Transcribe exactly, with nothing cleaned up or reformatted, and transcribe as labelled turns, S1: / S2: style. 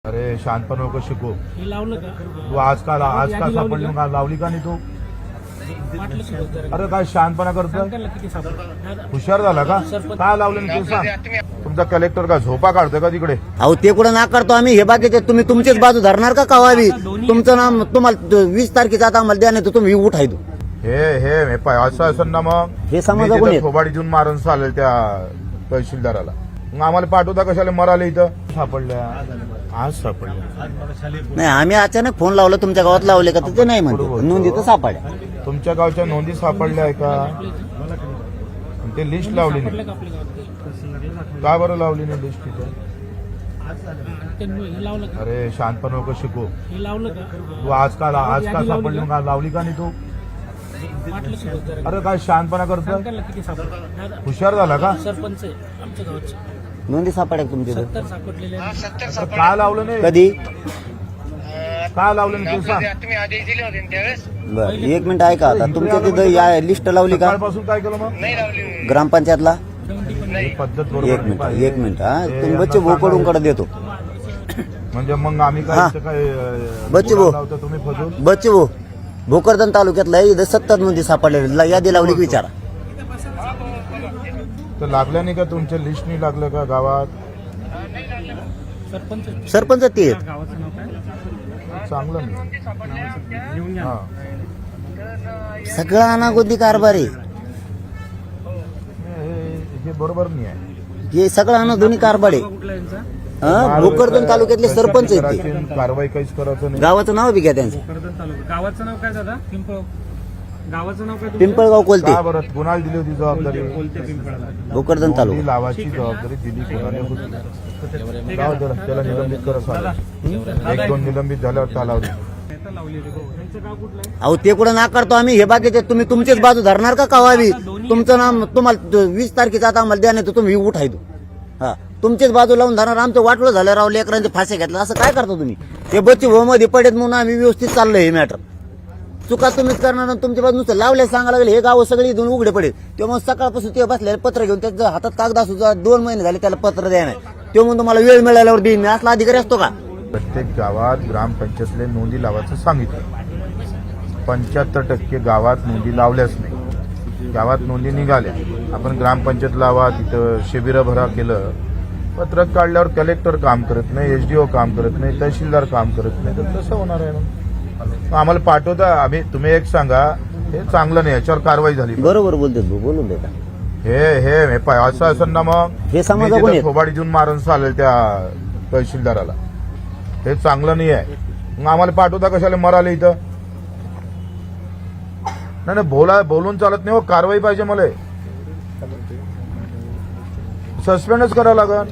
S1: अरे शांतपण नको शिकू.
S2: हे लावलं का?
S1: तू आज का आज का सापडली का लावली का नाही तू?
S2: वाटलं शिकवत जरा.
S1: अरे काय शांतपणा करतोय?
S2: सांगायला किती सापडलं?
S1: हुशार झाला का? काय लावलं नाही ते सांग. तुमचा कलेक्टर का झोपा काढतोय का तिकडे?
S3: अहो ते कुठं नाकारतो आम्ही. हे बाकीचे तुम्ही तुमचीच बाजू धरणार का कवावी? तुमचं नाम तुम्हाला वीस तारखेचा आता आम्हाला द्या, नाही तर तुम्ही उठायदो.
S1: हे हे हे पाय असं असं ना मग
S3: हे समाजा कोणी आहेत?
S1: थोबाडी देऊन मारून चालेल त्या तहसीलदाराला. मग आम्हाला पाठवता कशाला मराले इथं? सापडल्या आज सापडल्या.
S3: नाही आम्ही अचानक फोन लावला तुमच्या गावात लावले का तर ते नाही म्हणते नोंदी तर सापड्या.
S1: तुमच्या गावच्या नोंदी सापडल्या आहे का? ते लिस्ट लावली नाही
S2: आपल्या गावात
S1: का बरं लावली नाही लिस्ट तिथे?
S2: ते हे लावलं का?
S1: अरे शांतपण नको शिकू.
S2: हे लावलं का?
S1: तू आज का आज का सापडली का लावली का नाही तू?
S2: वाटलं शिकवत जरा.
S1: अरे काय शांतपणा करतोय?
S2: सांगायला किती सापडलं?
S1: हुशार झाला का?
S2: सरपंच आहे आमच्या गावाचे.
S3: नोंदी सापड्या का तुमच्या इथं?
S2: सत्तर सापडलेले आहेत.
S1: अरे काय लावलं नाही?
S3: कधी?
S1: काय लावलं नाही ते सांग.
S4: तुम्ही आदेश दिले होते ना त्यावेळेस
S3: बर एक मिनिट ऐका आता. तुमच्या तिथं या लिस्ट लावली का
S1: सकाळपासून काय केलं मग?
S4: नाही लावली.
S3: ग्रामपंचायतला?
S1: ही पद्धत बरोबर
S3: एक
S1: नाही
S3: मिनिट
S1: पाहिजे.
S3: एक मिनिट हा
S1: हे
S3: तुम्ही
S1: यांना
S3: बच्चे भोकडून कडे देतो.
S1: म्हणजे मग आम्ही काय
S3: हा.
S1: इथं काय अं,
S3: बच्चे
S1: बोलायला
S3: भाऊ.
S1: लावतो तुम्ही फजून?
S3: बच्चे भाऊ भोकरदन तालुक्यातला इथं सत्तर नोंदी सापडलेल्या यादी लावली की विचारा.
S1: तर लागल्या नाही का तुमच्या लिस्ट नाही लागलं का गावात?
S2: सरपंच आहे.
S3: सरपंच ते आहेत.
S2: गावाचं नाव काय?
S1: चांगलं नाही.
S2: घेऊन या.
S1: हा.
S3: सगळा अनागोदी कारभार आहे.
S1: हे- हे बरोबर नाही आहे.
S3: हे सगळं अनागोदी कारभार आहे.
S2: कुठला यांचा?
S3: हा भोकरदन तालुक्यातले सरपंच आहेत ते.
S1: करायची कारवाई काहीच करायचं नाही.
S3: गावाचं नाव बी घ्या त्यांचं.
S2: कर्जत तालुका. गावाचं नाव काय दादा? पिंपळ. गावाचं नाव काय तुमचं?
S3: पिंपळगाव कोलते
S1: का बरं कुणाला दिली होती जबाबदारी?
S2: कोलते पिंपळाला.
S3: भोकरदन
S1: नोंदी
S3: तालुका.
S1: लावायची जबाबदारी दिली कोणाला होती? जाऊ दे, त्याला निलंबित करा चालेल. एक दोन निलंबित झाल्यावर चालावली.
S2: नेता लावली होती. हो. त्यांचं गाव कुठलं आहे?
S3: अहो ते कुठं नाकारतो आम्ही. हे बाकीचे तुम्ही तुमचीच बाजू धरणार का कवावी? तुमचं नाम तुम्हाला वीस तारखेचा आता आम्हाला द्या, नाही तर तुम्ही उठायदो. हा तुमचीच बाजू लावून धरणार. आमचं वाटलं झालं राव लेकरांचे फासे घेतलं. असं काय करता तुम्ही? ते बच्चे भाऊ मध्ये पडेत म्हणून आम्ही व्यवस्थित चाललंय हे मॅटर. चुका तुम्हीच करणार आणि तुमच्या बाजू नुसतं लावले सांगा लागले. हे गाव सगळे इथून उघडे पडेल. तेव्हा मग सकाळपासून ते बसले पत्र घेऊन त्याच्या हातात कागद असू दोन महिने झाले त्याला पत्र द्या नाही. तेव्हा म्हणून तुम्हाला वेळ मिळाल्यावर देईन मी. असला अधिकारी असतो का?
S1: प्रत्येक गावात ग्रामपंचायतले नोंदी लावायचं सांगितलं. पंच्याहत्तर टक्के गावात नोंदी लावल्याच नाही. गावात नोंदी निघाल्या. आपण ग्रामपंचायत लावा तिथं शिबिरं भरा केलं. पत्रक काढल्यावर कलेक्टर काम करत नाही, एसडीओ काम करत नाही, तहसीलदार काम करत नाही. तर कसं होणार आहे मग? आम्हाला पाठवता आम्ही. तुम्ही एक सांगा हे चांगलं नाही, याच्यावर कारवाई झाली.
S3: बरोबर बोलते भाऊ, बोलून देता.
S1: हे हे हे पाय असं असं ना मग
S3: हे समाजा कोणी आहेत?
S1: थोबाडी देऊन मारून चालेल त्या तहसीलदाराला. हे चांगलं नाही आहे. मग आम्हाला पाठवता कशाला मराले इथं? नाही नाही बोला बोलून चालत नाही हो. कारवाई पाहिजे मला. सस्पेंडच करावं लागेल.